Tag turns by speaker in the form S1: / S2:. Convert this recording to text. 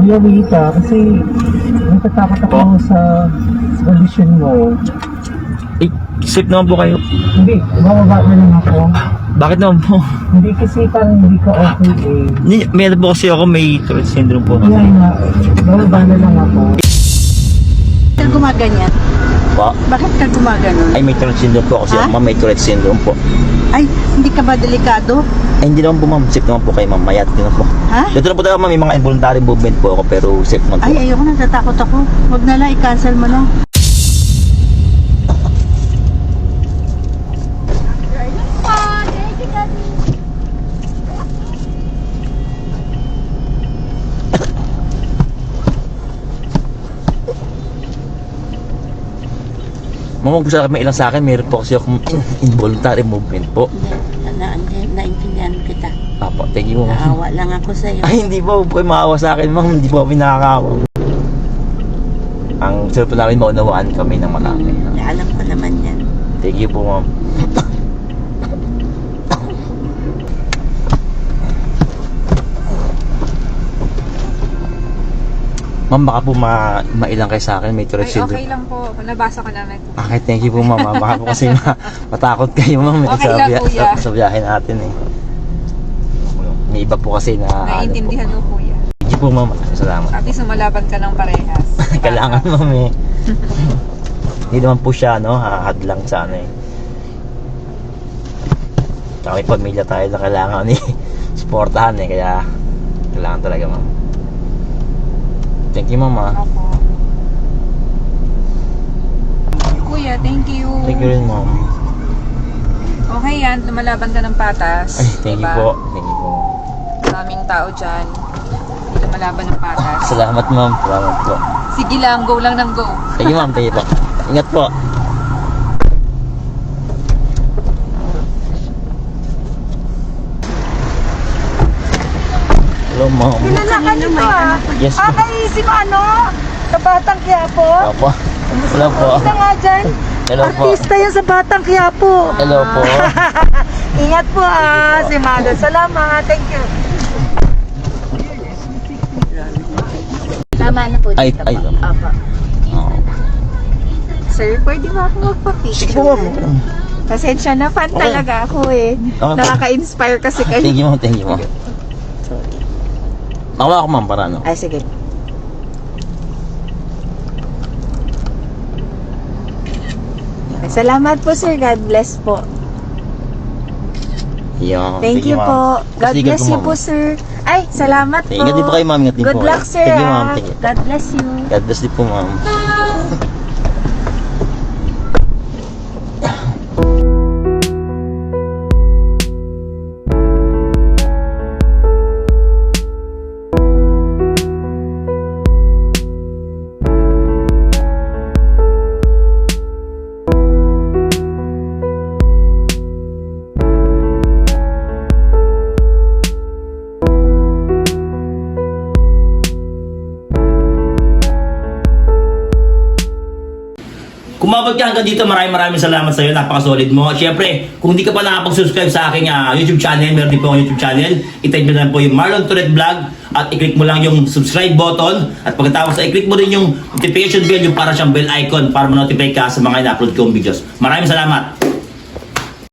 S1: Lolita, kasi natatakot ako sa kondisyon mo.
S2: Eh, safe naman po kayo.
S1: Hindi, bababa na lang ako.
S2: Bakit naman po?
S1: Hindi kasi parang hindi ka okay eh.
S2: Meron po kasi ako, may Tourette syndrome po.
S1: Kaya nga, bababa na lang ako.
S3: Bakit ka gumaganyan?
S2: Pa?
S3: Bakit ka gumaganon?
S2: Ay, may Tourette syndrome po kasi
S3: Ha?
S2: ako, ma'am, may Tourette syndrome po.
S3: Ay, hindi ka ba delikado?
S2: Ay, hindi naman po, ma'am. Safe naman po kayo, ma'am. Mayat ko na po.
S3: Ha?
S2: Dito na po tayo, ma'am. May mga involuntary movement po ako, pero safe naman po.
S3: Ay, ayoko na, natatakot ako. Huwag na lang, i-cancel mo na.
S2: Ma'am, kung sa may ilang sa akin, meron po kasi akong involuntary movement po.
S3: Naintindihan kita.
S2: Apo, thank you, ma'am.
S3: Naawa lang ako sa'yo.
S2: Ay, hindi po. Huwag kayo maawa sa akin, ma'am. Hindi po kami nakakawa. Ang sarap po namin maunawaan kami ng malaki.
S3: Alam ko naman yan.
S2: Thank you po, ma'am. Ma'am, baka po mailang kayo sa akin. May Tourette
S4: Ay,
S2: syndrome.
S4: okay lang po. Nabasa ko namin.
S2: Okay, thank you po, ma'am. Baka po kasi matakot kayo, ma'am.
S4: Okay lang, kuya.
S2: Sa biyahe natin, eh. May iba po kasi na...
S4: Naiintindihan mo, kuya.
S2: Thank you po, ma'am. Salamat.
S4: At least sumalaban ka ng parehas.
S2: Kailangan, ma'am, eh. Hindi naman po siya, no? Hadlang sa ano, eh. Tsaka may pamilya tayo na kailangan, eh. Supportahan, eh. Kaya, kailangan talaga, ma'am. Thank you, ma'am, ah.
S4: Opo. Kuya, thank you.
S2: Thank you rin, ma'am.
S4: Okay yan, lumalaban ka ng patas.
S2: Ay, thank you po. Thank you po.
S4: Maraming tao dyan. Lumalaban ng patas.
S2: Salamat, ma'am. Salamat po.
S4: Sige lang, go lang ng go.
S2: Thank you, ma'am. Thank you po. Ingat po. Hello, ma'am.
S3: Pinalakan nito ah.
S2: Yes, ma'am.
S3: Ay, si ano? Sa Batang Quiapo?
S2: Opo. Hello po.
S3: Isa nga dyan.
S2: Hello po.
S3: Artista yan sa Batang Quiapo.
S2: Hello po.
S3: Ingat po ah, si Mado. Salamat. Thank you. Tama na po dito
S2: Ay,
S3: po.
S2: ay.
S3: Opo.
S2: Oh.
S3: Sir, pwede ba ako magpa-picture?
S2: Sige po, ma'am.
S3: Pasensya na, fan
S2: Okay.
S3: talaga ako eh.
S2: Okay.
S3: Nakaka-inspire kasi kayo.
S2: Thank you, ma'am. Thank you, ma'am. Mawa ako, ma'am, para ano.
S3: Ay, sige. Salamat po, sir. God bless po.
S2: Yo,
S3: Thank you
S2: ma'am.
S3: po. God
S2: Pasigan
S3: bless you
S2: ma'am.
S3: po, sir. Ay, salamat po.
S2: Ingat din po kayo, ma'am. Ingat din
S3: Good
S2: po.
S3: luck, sir.
S2: Thank you, ma'am.
S3: ah.
S2: Thank you.
S3: God bless you.
S2: God bless din po, ma'am.
S5: Kumabot ka hanggang dito, maraming salamat sa iyo. Napaka-solid mo. Siyempre, kung hindi ka pa nakapag-subscribe sa aking YouTube channel, meron din po akong YouTube channel. I-type mo lang po yung Marlon Tourette Vlog at i-click mo lang yung subscribe button. At pagkatapos, i-click mo rin yung notification bell, yung para siyang bell icon para ma-notify ka sa mga ina-upload kong videos. Maraming salamat.